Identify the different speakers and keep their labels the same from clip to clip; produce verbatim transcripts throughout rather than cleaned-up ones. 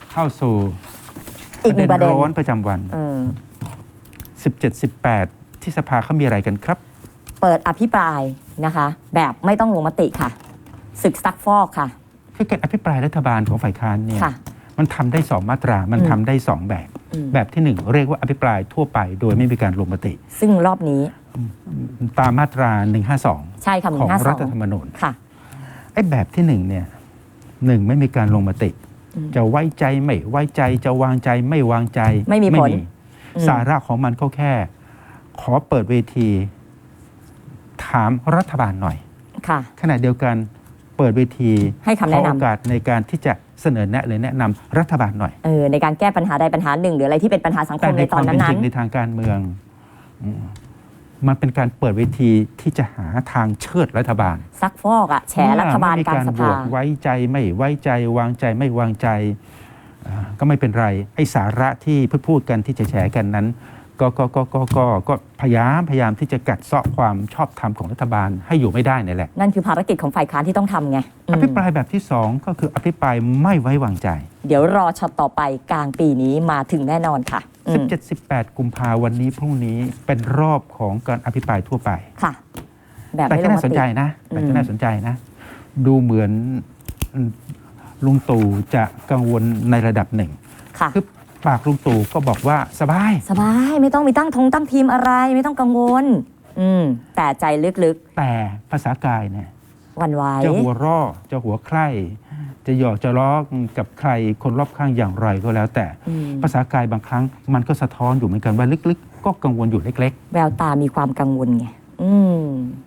Speaker 1: เข้าสู่
Speaker 2: อีกหนึ่งประเด็น
Speaker 1: ร้อนประจำวัน สิบเจ็ด สิบแปด ที่สภาเขามีอะไรกันครับ
Speaker 2: เปิดอภิปรายนะคะแบบไม่ต้องลงมติค่ะศึกซักฟอกค่ะ
Speaker 1: คือการอภิปรายรัฐบาลของฝ่ายค้านเนี่ยมันทำได้สองมาตรามันทำได้สองแบบแบบที่หนึ่งเรียกว่าอภิปรายทั่วไปโดยไม่มีการลงมติ
Speaker 2: ซึ่งรอบนี้
Speaker 1: ตามมาตราหนึ่งห้าสอง
Speaker 2: ใช่ค่ะ
Speaker 1: ของรัฐธรรมนูญ
Speaker 2: ค่ะ
Speaker 1: ไอ้แบบที่หนึ่งเนี่ยหนึ่งไม่มีการลงมติจะไว้ใจไม่ไว้ใจจะวางใจไม่วางใจ
Speaker 2: ไม่มีผล
Speaker 1: สาระของมันก็แค่ขอเปิดเวทีถามรัฐบาลหน่อย
Speaker 2: ค่ะ
Speaker 1: ขณะเดียวกันเปิดเวที
Speaker 2: ให้คำแนะนำ
Speaker 1: โอกาสในการที่จะเสนอแนะหรือแนะนำรัฐบาลหน่อย
Speaker 2: เออในการแก้ปัญหาใดปัญหาหนึ่งหรืออะไรที่เป็นปัญหาสังคมในตอนนั้น
Speaker 1: แต่ในความเป็นจริงในทางการเมืองมันเป็นการเปิดเวทีที่จะหาทางเชิดรัฐบาล
Speaker 2: ซักฟอกอะแฉรัฐบาลกลางสภา
Speaker 1: ไว้ใจไม่ไว้ใจวางใจไม่วางใจก็ไม่เป็นไรไอ้สาระที่พูดพูดกันที่จะแฉกันนั้นก็ก็ก็ก็ก็ก็พยายามพยายามที่จะกัดเซาะความชอบธรรมของรัฐบาลให้อยู่ไม่ได้นี่แหละ
Speaker 2: นั่นคือภารกิจของฝ่ายค้านที่ต้องทำไง
Speaker 1: อภิปรายแบบที่สองก็คืออภิปรายไม่ไว้วางใจ
Speaker 2: เดี๋ยวรอช็อตต่อไปกลางปีนี้มาถึงแน่นอนค่ะ
Speaker 1: สิบเจ็ด สิบแปด กุมภาวันนี้พรุ่งนี้เป็นรอบของการอภิปรายทั่วไป
Speaker 2: ค่ะแบบ
Speaker 1: แต่ที่น่าสนใจนะแต่ที่น่าสนใจนะดูเหมือนลุงตู่จะกังวลในระดับหนึ่งคือปากลุงตู่ก็บอกว่าสบาย
Speaker 2: สบายไม่ต้องมีตั้งธงตั้งทีมอะไรไม่ต้องกังวลอืมแต่ใจลึก
Speaker 1: ๆแต่ภาษากายเนี่ย
Speaker 2: วันวาย
Speaker 1: จะหัวร่อจะหัวใคร่จะหยอกจะล้อกับใครคนรอบข้างอย่างไรก็แล้วแต่ภาษากายบางครั้งมันก็สะท้อนอยู่เหมือนกันว่าลึกๆก็กังวลอยู่เล็ก
Speaker 2: ๆแววตามีความกังวลไงอืม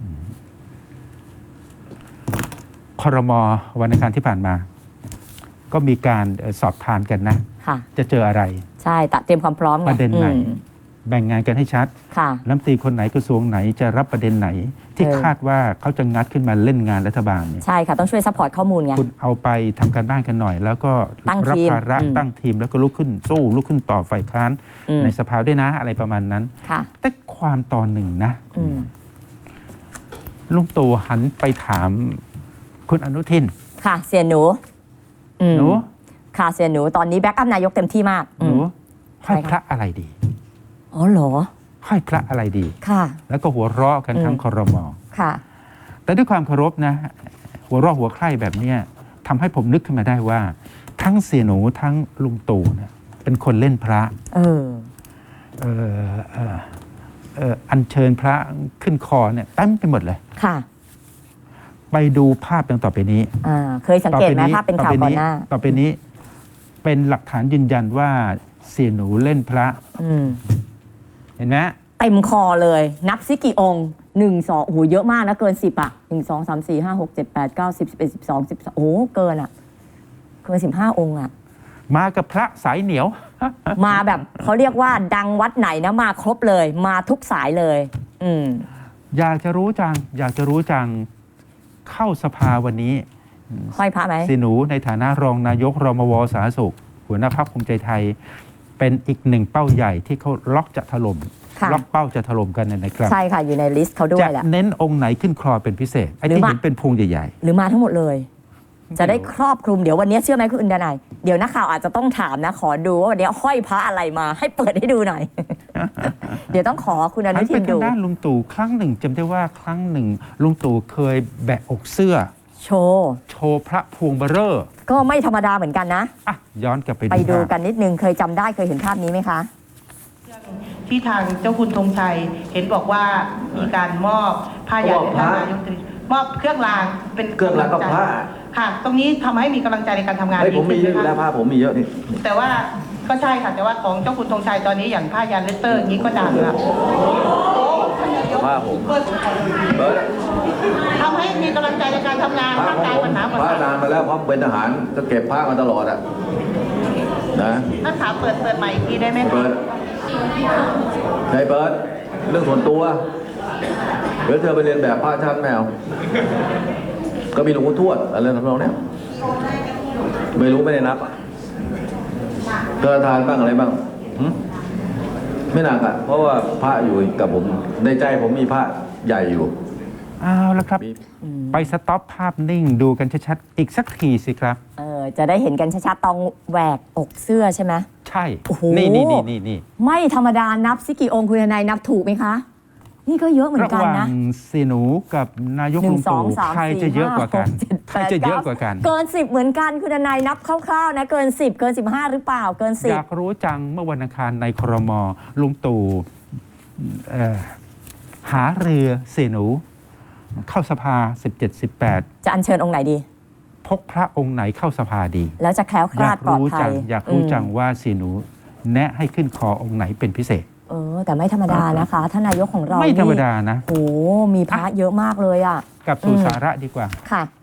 Speaker 1: ครม.วันอังคารที่ผ่านมาก็มีการสอบทานกันนะจะเจออะไร
Speaker 2: ใช่ตัดเตรียมความพร้อม
Speaker 1: ประเด็นไหนแบ่งงานกันให้ชัดรัฐมนตรีคนไหนกระทรวงไหนจะรับประเด็นไหนที่คาดว่าเขาจะงัดขึ้นมาเล่นงานรัฐบาลเนี่ย
Speaker 2: ใช่ค่ะต้องช่วยซัพพอร์ตข้อมูลไง
Speaker 1: คุณเอาไปทำการบ้านกันหน่อยแล้วก็รับภาระตั้งทีมแล้วก็ลุกขึ้นสู้ลุกขึ้นต่อฝ่ายค้านในสภาด้วยนะอะไรประมาณนั้นแต่ความตอนหนึ่งนะลุงตู่หันไปถามคุณอนุทิน
Speaker 2: ค่ะเสียหนู
Speaker 1: หนู
Speaker 2: ค่ะเสียหนูตอนนี้แบ็กอัพนายกเต็มที่มาก
Speaker 1: หนูให้พระอะไรดี
Speaker 2: อ๋อเหรอ
Speaker 1: ให้พระอะไรดี
Speaker 2: ค่ะ
Speaker 1: แล้วก็หัวเราะกันทั้งครม.
Speaker 2: ค่ะ
Speaker 1: แต่ด้วยความเคารพนะหัวเราะหัวใคร่แบบนี้ทำให้ผมนึกขึ้นมาได้ว่าทั้งเสียหนูทั้งลุงตู่เนี่ยเป็นคนเล่นพระ
Speaker 2: เออ
Speaker 1: เออเออเอออัญเชิญพระขึ้นคอเนี่ยเต็มไปหมดเลย
Speaker 2: ค่ะ
Speaker 1: ไปดูภาพดังต่อไปนี้
Speaker 2: อ่าเคยสังเกตไหมภาพเป็นข่าวก่อนหน้า
Speaker 1: ต่อไปนี้เป็นหลักฐานยืนยันว่าเสียหนูเล่นพระเห็นไหม
Speaker 2: เต็มคอเลยนับซิกี่องค์หนึ่งสองโอ้โหเยอะมากนะเกินสิบอ่ะหนึ่งสองสามสี่ห้าหกเจ็ดแปดเก้าสิบสิบเอ็ดสิบสองสิบโอ้เกินอ่ะเกินสิบห้าองค์อ่ะ
Speaker 1: มากับพระสายเหนียว
Speaker 2: มาแบบเขาเรียกว่าดังวัดไหนนะมาครบเลยมาทุกสายเลยอืม
Speaker 1: อยากจะรู้จังอยากจะรู้จังเข้าสภาวันนี้
Speaker 2: ห้อยพระไหม
Speaker 1: สีหนูในฐานะรองนายกรมวสาธารณสุขหัวหน้าพรรคภูมิใจไทยเป็นอีกหนึ่งเป้าใหญ่ที่เขาล็อกจะถล่มล็อกเป้าจะถล่มกันนะครับ
Speaker 2: ใช่ค่ะอยู่ในลิสต์เขาด้วยแหละ
Speaker 1: จะเน้นองค์ไหนขึ้นคลอเป็นพิเศษไอ้ที่เห็นเป็นพวงใหญ่
Speaker 2: ๆหรือมาทั้งหมดเลยจะได้ครอบคลุมเดี๋ยววันนี้เชื่อไหมคุณดนายเดี๋ยวนักข่าวอาจจะต้องถามนะขอดูว่าวันนี้ห้อยพระอะไรมาให้เปิดให้ดูหน่อย เดี๋ยวต้องขอคุณอนุทินดู
Speaker 1: ทางด้านลุงตู่ครั้งหนึ่งจำได้ว่าครั้งหนึ่งลุงตู่เคยแบะอกเสื้อ
Speaker 2: โชว์
Speaker 1: โชว์พระพวงเบอร์เรอร์
Speaker 2: ก็ไม่ธรรมดาเหมือนกันนะ
Speaker 1: อ่ะย้อนกลับไป
Speaker 2: ไปดูกันนิดนึงเคยจำได้เคยเห็นภาพนี้ไหมคะ
Speaker 3: ที่ทางเจ้าคุณธงชัยเห็นบอกว่ามีการมอบผ้ายันให้ท่านนายกรัฐมนตรีมอบเครื่องรางเป็น
Speaker 4: เครื่องรางกับผ้า
Speaker 3: ค่ะตรงนี้ทำให้มีกำลังใจในการทำงาน
Speaker 4: ดีขึ้นไหมคะผมมีเยอะแล้วผ้าผมมีเยอะนี่
Speaker 3: แต่ว่าก็ใช่ค่ะแต่ว่าของเจ้าคุณธงชัยตอนนี้อย่างผ้ายันเลสเตอร์อย่างนี้ก็ดังแล้ว
Speaker 4: ผ้าผม
Speaker 3: ทำให้มีกำลังใจในการทำงานร่างกายปัญหา
Speaker 4: ผ้านานมาแล้วเพราะเป็นทหารก็เก็บผ้ามาตลอดอ่ะนะ
Speaker 3: นักข่าวเปิดเปิดใหม่อีกทีได้ไหม
Speaker 4: เปิดใช่เปิดเรื่องส่วนตัวเดี๋ยวเธอไปเรียนแบบผ้าชั้นแมวก็มีหลวงปู่ทวดอะไรทำนองเนี้ยไม่รู้ไม่ได้นับเธอทานบ้างอะไรบ้างไม่หนักอ่ะเพราะว่าพระอยู่กับผมในใจผมมีพระใหญ่อยู่
Speaker 1: เอาละครับไปสต็อปภาพนิ่งดูกันชัดๆอีกสักทีสิครับ
Speaker 2: เออจะได้เห็นกันชัดๆตองแหวกอกเสื้อใช่ไหม
Speaker 1: ใช่
Speaker 2: โอ้โห
Speaker 1: นี่นี่นี่นี่นี่
Speaker 2: ไม่ธรรมดานับสิกี่องค์คุณทนายนับถูกไหมคะ นี่ก็เยอะเหมือน
Speaker 1: ระ
Speaker 2: กั
Speaker 1: ห
Speaker 2: น
Speaker 1: ว่าง
Speaker 2: นะ
Speaker 1: เสยหนูกับนายก
Speaker 2: หนึ่
Speaker 1: ลุ
Speaker 2: ง
Speaker 1: ง
Speaker 2: สอ
Speaker 1: ตู่
Speaker 2: งสาม
Speaker 1: ใคร
Speaker 2: สี่
Speaker 1: จะเยอะกว่ากัน
Speaker 2: ห้หเจ็ด
Speaker 1: ใครจะเยอะกว่ากัน
Speaker 2: เกินสิบเหมือนกันคุณทนายนับคร่าวๆนะเกินสิบเกินสิบห้าหรือเปล่าเกินสิ
Speaker 1: อบ ยากรู้จังเมื่อวันอังคารในครมลุงตู่เอ่อหาเรือเสยหนูเข้าสภา สิบเจ็ด สิบแปด
Speaker 2: จะอัญเชิญองค์ไหนดี
Speaker 1: พกพระองค์ไหนเข้าสภาดี
Speaker 2: แล้วจะแคล้วค
Speaker 1: อ
Speaker 2: ลาย
Speaker 1: า
Speaker 2: ด
Speaker 1: ก
Speaker 2: ปลอด
Speaker 1: รู้
Speaker 2: ภั
Speaker 1: จั
Speaker 2: ย
Speaker 1: งอยากรู้จัง
Speaker 2: อืม
Speaker 1: ว่าเสยหนู แนะให้ขึ้นคอองค์ไหนเป็นพิเศษ
Speaker 2: เออ แต่ไม่ธรรมดานะคะท่านนายกของเรา
Speaker 1: ไม่ธรรม
Speaker 2: นี่
Speaker 1: ดานะ
Speaker 2: โอ้มีพระเยอะมากเลยอ่ะ
Speaker 1: กลับสู่
Speaker 2: อืม
Speaker 1: สาระดีกว่า
Speaker 2: ค่ะ